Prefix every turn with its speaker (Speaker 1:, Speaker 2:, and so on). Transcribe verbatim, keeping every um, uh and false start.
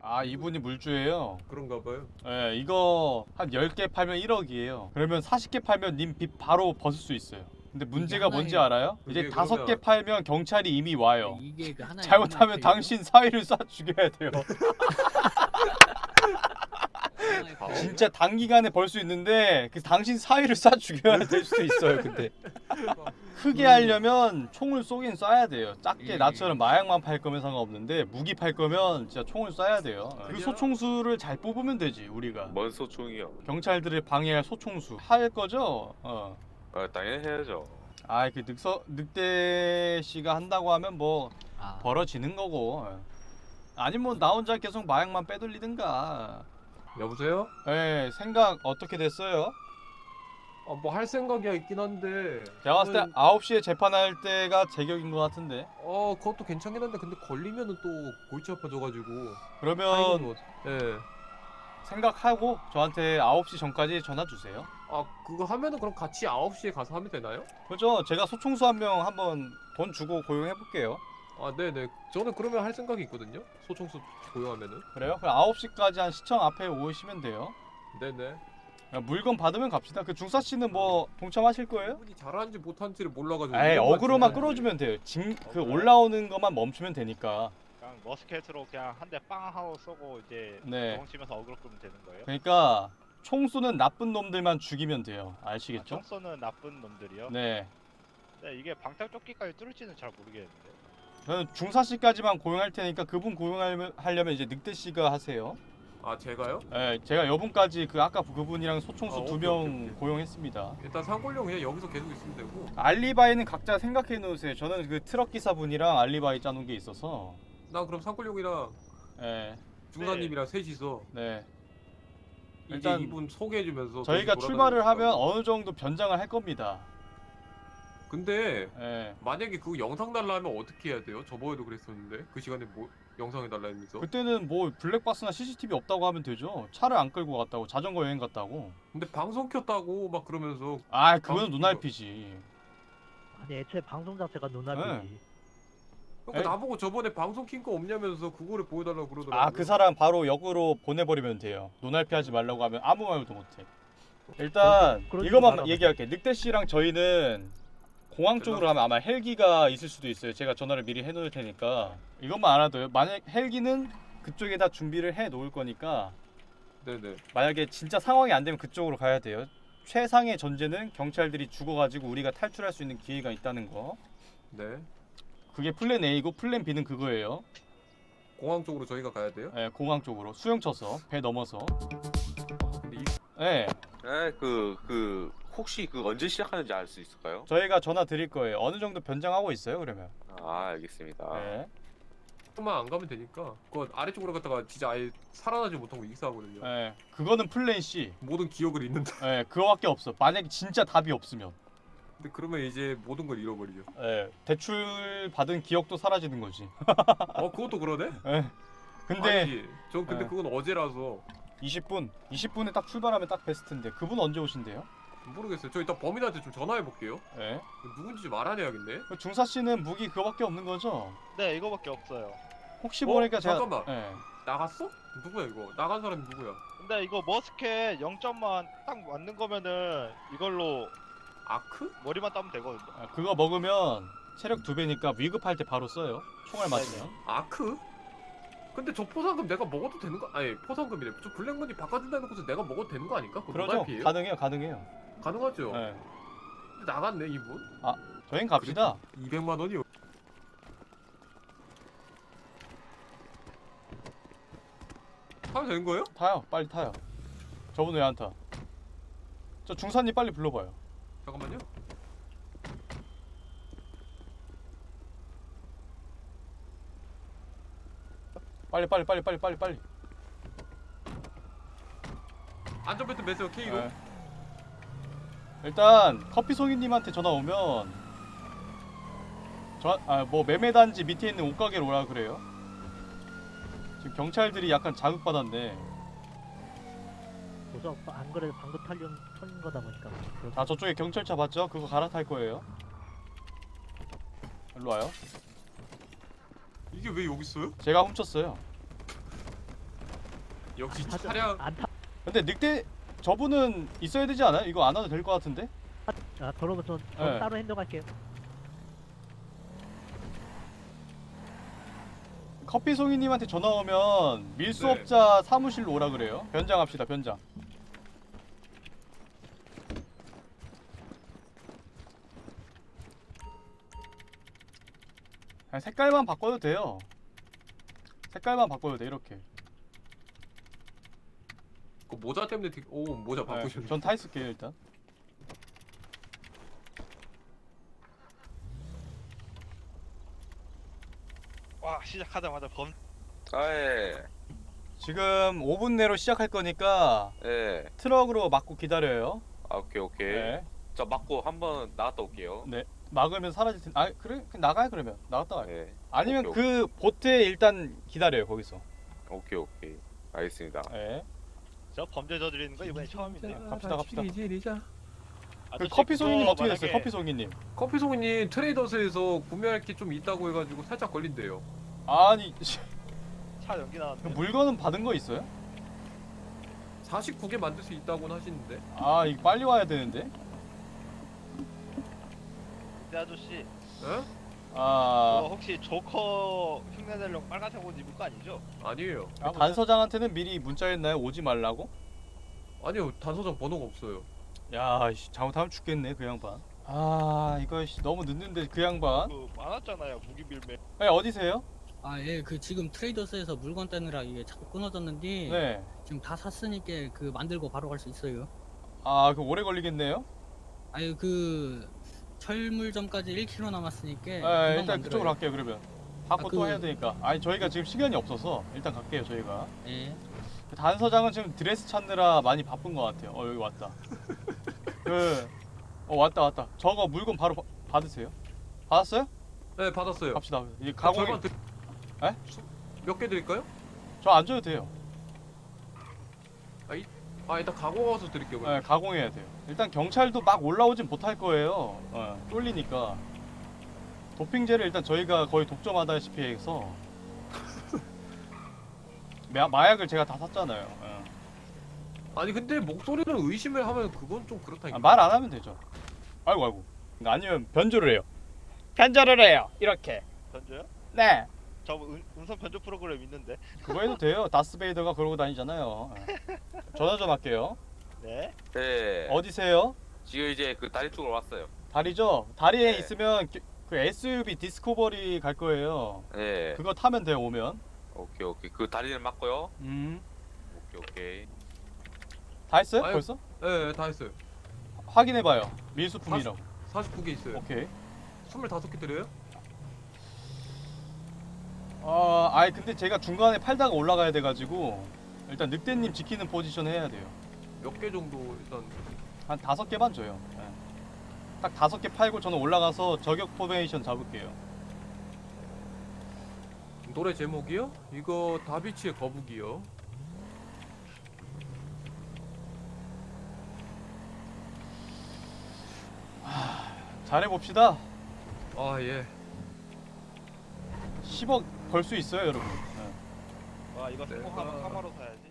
Speaker 1: 아 이분이 물주예요?
Speaker 2: 그런가 봐요.
Speaker 1: 예, 이거 한 열 개 팔면 일억이에요. 그러면 사십 개 팔면 님 빚 바로 벗을 수 있어요. 근데 문제가 뭔지
Speaker 3: 하나에-
Speaker 1: 알아요? 이제
Speaker 2: 그게
Speaker 1: 다섯 개
Speaker 2: 그러면-
Speaker 1: 팔면 경찰이 이미 와요.
Speaker 3: 이게 그 하나의
Speaker 1: 잘못하면
Speaker 3: 하나의
Speaker 1: 당신 사위를 쏴 죽여야 돼요.
Speaker 3: 하나의
Speaker 2: 아,
Speaker 3: 페이요?
Speaker 1: 진짜 단기간에 벌 수 있는데 그 당신 사위를 쏴 죽여야 될 수도 있어요. 근데 크게 하려면 총을 쏘긴 쏴야 돼요. 작게
Speaker 3: 예.
Speaker 1: 나처럼 마약만 팔 거면 상관없는데 무기 팔 거면 진짜 총을 쏴야 돼요. 그
Speaker 2: 아니야.
Speaker 1: 소총수를 잘 뽑으면 되지 우리가.
Speaker 4: 뭔 소총이요?
Speaker 1: 경찰들을 방해할 소총수 할 거죠? 어.
Speaker 4: 아, 당연히 해야죠.
Speaker 1: 아 그 늑서 늑대 씨가 한다고 하면 뭐
Speaker 3: 아,
Speaker 1: 벌어지는 거고. 아니면 뭐 나 혼자 계속 마약만 빼돌리든가.
Speaker 2: 여보세요?
Speaker 1: 예, 생각 어떻게 됐어요?
Speaker 2: 아, 뭐 할 생각이 있긴 한데.
Speaker 1: 제가 봤을 때
Speaker 2: 저는-
Speaker 1: 아홉 시에 재판할 때가 제격인 것 같은데.
Speaker 2: 어, 그것도 괜찮긴 한데 근데 걸리면은 또 골치 아파져가지고.
Speaker 1: 그러면
Speaker 2: 뭐, 예.
Speaker 1: 생각하고 저한테 아홉 시 전까지 전화 주세요.
Speaker 2: 아, 그거 하면은 그럼 같이 아홉 시에 가서 하면 되나요?
Speaker 1: 그죠? 제가 소총수 한 명 한번 돈 주고 고용해 볼게요.
Speaker 2: 아, 네네. 저는 그러면 할 생각이 있거든요. 소총수 고용하면은.
Speaker 1: 그래요? 그럼 아홉 시까지 한 시청 앞에 오시면 돼요.
Speaker 2: 네네.
Speaker 1: 야, 물건 받으면 갑시다. 그 중사 씨는 뭐 동참하실 거예요?
Speaker 2: 이분이 잘하는지 못하는지를 몰라가지고.
Speaker 1: 에이,
Speaker 2: 이런 거
Speaker 1: 어그로만
Speaker 2: 같은데.
Speaker 1: 끌어주면 돼요. 징, 그
Speaker 5: 어그로요?
Speaker 1: 올라오는 것만 멈추면 되니까.
Speaker 5: 그냥 머스켓으로 그냥 한 대 빵 하고 쏘고 이제
Speaker 1: 네.
Speaker 5: 도망치면서 어그로 끄면 되는 거예요?
Speaker 1: 그러니까 총 쏘는 나쁜 놈들만 죽이면 돼요.
Speaker 5: 아,
Speaker 1: 아시겠죠?
Speaker 5: 총 쏘는 나쁜 놈들이요?
Speaker 1: 네.
Speaker 5: 네, 이게 방탈조끼까지 뚫을지는 잘 모르겠는데.
Speaker 1: 저는 중사 씨까지만 고용할 테니까 그분 고용하려면 이제 늑대 씨가 하세요.
Speaker 2: 아, 제가요?
Speaker 1: 네, 제가 여분까지 그 아까 그분이랑 소총수
Speaker 2: 아,
Speaker 1: 두
Speaker 2: 오케이, 오케이,
Speaker 1: 명
Speaker 2: 오케이.
Speaker 1: 고용했습니다.
Speaker 2: 일단 상골용 그냥 여기서 계속 있으면 되고.
Speaker 1: 알리바이는 각자 생각해 놓으세요. 저는 그 트럭 기사분이랑 알리바이 짜놓은 게 있어서.
Speaker 2: 나 그럼 상골용이랑
Speaker 1: 네,
Speaker 2: 중사님이랑 셋이서
Speaker 1: 네.
Speaker 2: 이제
Speaker 1: 일단
Speaker 2: 이분 소개해주면서
Speaker 1: 저희가
Speaker 2: 다시
Speaker 1: 출발을 하면
Speaker 2: 돌아다니고.
Speaker 1: 어느 정도 변장을 할 겁니다.
Speaker 2: 근데
Speaker 1: 네.
Speaker 2: 만약에 그거 영상 달라 하면 어떻게 해야 돼요? 저번에도 그랬었는데 그 시간에 뭐 영상에 달라 하면서.
Speaker 1: 그때는 뭐 블랙박스나 씨씨티비 없다고 하면 되죠. 차를 안 끌고 갔다고, 자전거 여행 갔다고.
Speaker 2: 근데 방송 켰다고 막 그러면서.
Speaker 1: 아, 그건
Speaker 2: 방송
Speaker 1: 눈알피지.
Speaker 6: 아니 애초에 방송 자체가 눈앞이지.
Speaker 2: 그러니까
Speaker 1: 에이.
Speaker 2: 나보고 저번에 방송 킨 거 없냐면서 그거를 보여달라고 그러더라고요.
Speaker 1: 아, 그 사람 바로 역으로 보내버리면 돼요. 눈알피하지 말라고 하면 아무 말도 못해. 일단
Speaker 6: 그러지- 그러지
Speaker 1: 이것만
Speaker 6: 말아봐.
Speaker 1: 얘기할게. 늑대 씨랑 저희는 공항 쪽으로 하면 아마 헬기가 있을 수도 있어요. 제가 전화를 미리 해놓을 테니까 이것만 알아둬요. 만약 헬기는 그쪽에다 준비를 해 놓을 거니까
Speaker 2: 네네.
Speaker 1: 만약에 진짜 상황이 안 되면 그쪽으로 가야 돼요. 최상의 전제는 경찰들이 죽어가지고 우리가 탈출할 수 있는 기회가 있다는 거.
Speaker 2: 네.
Speaker 1: 그게 플랜 A고 플랜 B는 그거예요.
Speaker 2: 공항 쪽으로 저희가 가야 돼요?
Speaker 1: 예, 공항 쪽으로 수영 쳐서 배 넘어서.
Speaker 2: 근데 이
Speaker 1: 예,
Speaker 4: 네, 그, 그, 혹시 그 언제 시작하는지 알 수 있을까요?
Speaker 1: 저희가 전화 드릴 거예요. 어느 정도 변장하고 있어요, 그러면.
Speaker 4: 아, 알겠습니다.
Speaker 1: 예.
Speaker 2: 조금만 안 가면 되니까. 그거 아래쪽으로 갔다가 진짜 아예 살아나지 못한 거 익사하거든요.
Speaker 1: 예. 그거는 플랜 C.
Speaker 2: 모든 기억을 잃는다.
Speaker 1: 예, 그거밖에 없어. 만약에 진짜 답이 없으면.
Speaker 2: 근데 그러면 이제 모든 걸 잃어버리죠.
Speaker 1: 예. 대출 받은 기억도 사라지는 거지.
Speaker 2: 어, 그것도 그러네?
Speaker 1: 예. 근데
Speaker 2: 아니, 전 근데
Speaker 1: 네.
Speaker 2: 그건 어제라서
Speaker 1: 이십 분, 이십 분에 딱 출발하면 딱 베스트인데 그분 언제 오신대요?
Speaker 2: 모르겠어요. 저 이따 범인한테 좀 전화해 볼게요.
Speaker 1: 예.
Speaker 2: 누군지 좀 알아내야겠네.
Speaker 1: 그 중사 씨는 무기 그거밖에 없는 거죠?
Speaker 5: 네, 이거밖에 없어요.
Speaker 1: 혹시
Speaker 2: 어?
Speaker 1: 모르니까 제가
Speaker 2: 잠깐만.
Speaker 1: 예.
Speaker 2: 나갔어? 누구야 이거? 나간 사람이 누구야?
Speaker 5: 근데 이거 머스켓 영 점만 딱 맞는 거면은 이걸로
Speaker 2: 아크?
Speaker 5: 머리만 따면 되거든요.
Speaker 1: 아, 그거 먹으면 체력 두 배니까 위급할 때 바로 써요. 총알 맞으면.
Speaker 2: 아크? 근데 저 포상금 내가 먹어도 되는 거? 아니 포상금이래. 저 블랙머니 바꿔준다 해놓고서 내가 먹어도 되는 거 아닐까? 그거
Speaker 1: 그러죠?
Speaker 2: 노말피예요?
Speaker 1: 가능해요, 가능해요.
Speaker 2: 가능하죠?
Speaker 1: 예.
Speaker 2: 근데 나갔네 이분.
Speaker 1: 저희는 갑시다.
Speaker 2: 이백만 원이요. 하면 되는 거예요?
Speaker 1: 타요, 빨리 타요. 저분 왜 안 타? 저 중사님 빨리 불러봐요.
Speaker 2: 잠깐만요.
Speaker 1: 빨리 빨리 빨리 빨리 빨리 빨리.
Speaker 2: 안전벨트 매세요 K로.
Speaker 1: 네. 일단 커피 송이님한테 전화 오면 저아뭐 매매단지 밑에 있는 옷가게로 오라 그래요. 지금 경찰들이 약간 자극받았네.
Speaker 6: 그래서 안 그래도 방금 탈린 턴 거다 보니까.
Speaker 1: 아 저쪽에 경찰차 봤죠? 그거 갈아탈 거예요. 일로 와요.
Speaker 2: 이게 왜 여기 있어요?
Speaker 1: 제가 훔쳤어요.
Speaker 2: 역시
Speaker 6: 안 타죠.
Speaker 2: 차량
Speaker 6: 안 타.
Speaker 1: 근데 늑대 저분은 있어야 되지 않아요? 이거 안 와도 될 것 같은데?
Speaker 6: 아, 그러면 전, 전
Speaker 1: 네.
Speaker 6: 따로 행동할게요.
Speaker 1: 커피송이님한테 전화 오면 밀수업자 사무실로 오라 그래요. 변장합시다, 변장. 그냥 색깔만 바꿔도 돼요. 색깔만 바꿔도 돼, 이렇게.
Speaker 2: 그 모자 때문에 되게... 오 모자 바꾸셨네.
Speaker 1: 네, 전 타 있을게요, 일단.
Speaker 5: 와 시작하자마자 범
Speaker 4: 아예
Speaker 1: 지금 오 분 내로 시작할 거니까
Speaker 4: 예.
Speaker 1: 트럭으로 막고 기다려요.
Speaker 4: 아 오케이 오케이.
Speaker 1: 네.
Speaker 4: 자 맞고 한번 나갔다 올게요.
Speaker 1: 네. 막으면 사라질 텐데. 아, 그래? 그냥 나가요, 그러면. 나갔다 와요.
Speaker 4: 예.
Speaker 1: 아니면
Speaker 4: 오케이,
Speaker 1: 그 보트에 일단 기다려요, 거기서.
Speaker 4: 오케이 오케이. 알겠습니다.
Speaker 1: 네.
Speaker 5: 저 범죄 저지르는 거 이번에 처음이네.
Speaker 1: 갑시다, 갑시다.
Speaker 2: 지리자.
Speaker 1: 그
Speaker 5: 아저씨,
Speaker 1: 커피송이님
Speaker 5: 그거
Speaker 1: 어떻게 됐어요?
Speaker 5: 만약에
Speaker 1: 커피송이님.
Speaker 2: 커피송이님 트레이더스에서 구매할 게 좀 있다고 해가지고 살짝 걸린대요.
Speaker 1: 아니
Speaker 5: 차 연기
Speaker 1: 그
Speaker 5: 나왔는데.
Speaker 1: 물건은 받은 거 있어요?
Speaker 2: 사십구 개 만들 수 있다고는 하시는데.
Speaker 1: 아 이거 빨리 와야 되는데.
Speaker 5: 네, 아저씨
Speaker 2: 에?
Speaker 1: 아,
Speaker 5: 그거 혹시 조커 흉내내려고 빨간색 옷 입을 거 아니죠?
Speaker 2: 아니에요.
Speaker 1: 단서장한테는 미리 문자했나요? 오지 말라고?
Speaker 2: 아니요 단서장 번호가 없어요.
Speaker 1: 야, 씨, 잘못하면 죽겠네 그 양반. 아, 이거 씨, 너무 늦는데 그 양반.
Speaker 5: 그 많았잖아요 무기 빌매.
Speaker 1: 네, 어디세요?
Speaker 3: 아, 예, 그 지금 트레이더스에서 물건 떼느라 이게 자꾸 끊어졌는데
Speaker 1: 네.
Speaker 3: 지금 다 샀으니까 그 만들고 바로 갈 수 있어요.
Speaker 1: 아, 그 오래 걸리겠네요.
Speaker 3: 아유, 그 철물점까지 일 킬로미터 남았으니까
Speaker 1: 네,
Speaker 3: 금방
Speaker 1: 일단
Speaker 3: 만들어요.
Speaker 1: 그쪽으로 갈게요 그러면. 받고
Speaker 3: 아,
Speaker 1: 또
Speaker 3: 그-
Speaker 1: 해야 되니까. 아니 저희가 지금 시간이 없어서 일단 갈게요 저희가.
Speaker 3: 예.
Speaker 1: 그 단서장은 지금 드레스 찾느라 많이 바쁜 것 같아요. 어 여기 왔다. 그, 어 왔다 왔다. 저거 물건 바로 바, 받으세요. 받았어요?
Speaker 2: 네 받았어요.
Speaker 1: 갑시다. 이
Speaker 2: 가
Speaker 1: 가공이
Speaker 2: 절반 드...
Speaker 1: 에?
Speaker 2: 몇 개 드릴까요?
Speaker 1: 저 안 줘도 돼요.
Speaker 2: 아 일단 가고 와서 드릴게요.
Speaker 1: 네, 가공해야 돼요. 일단 경찰도 막 올라오진 못할 거예요. 어, 쫄리니까. 도핑제를 일단 저희가 거의 독점하다시피 해서 마, 마약을 제가 다 샀잖아요. 어.
Speaker 2: 아니 근데 목소리를 의심을 하면 그건 좀 그렇다니까.
Speaker 1: 아, 말 안 하면 되죠. 아이고 아이고. 아니면 변조를 해요. 변조를 해요. 이렇게.
Speaker 5: 변조요?
Speaker 1: 네.
Speaker 5: 저 음, 음성 변조 프로그램 있는데.
Speaker 1: 그거 해도 돼요. 다스베이더가 그러고 다니잖아요. 예. 전화 좀 할게요.
Speaker 5: 네.
Speaker 4: 네.
Speaker 1: 어디세요?
Speaker 4: 지금 이제 그 다리 쪽으로 왔어요.
Speaker 1: 다리죠? 다리에
Speaker 4: 네.
Speaker 1: 있으면 그- 그 에스유브이 디스커버리 갈 거예요.
Speaker 4: 네.
Speaker 1: 그거 타면 돼요, 오면.
Speaker 4: 오케이 오케이. 그 다리를 맞고요.
Speaker 1: 음.
Speaker 4: 오케이 오케이.
Speaker 1: 다 했어요?
Speaker 2: 아유,
Speaker 1: 벌써?
Speaker 2: 네, 다 했어요.
Speaker 1: 확인해 봐요. 밀수품이라고.
Speaker 2: 사십구 개 있어요.
Speaker 1: 오케이.
Speaker 2: 스물다섯 개 드려요?
Speaker 1: 아, 아이 근데 제가 중간에 팔다가 올라가야 돼 가지고 일단 늑대님 지키는 포지션 해야 돼요.
Speaker 2: 몇 개 정도 일단.
Speaker 1: 한 다섯 개만 줘요. 예. 딱 다섯 개 팔고 저는 올라가서 저격 포메이션 잡을게요.
Speaker 2: 노래 제목이요? 이거 다비치의 거북이요.
Speaker 1: 잘해 봅시다.
Speaker 2: 아 예.
Speaker 1: 십억 벌 수 있어요, 여러분. 예.
Speaker 5: 와 이거
Speaker 2: 내가-
Speaker 5: 성공하면 카마로 사야지.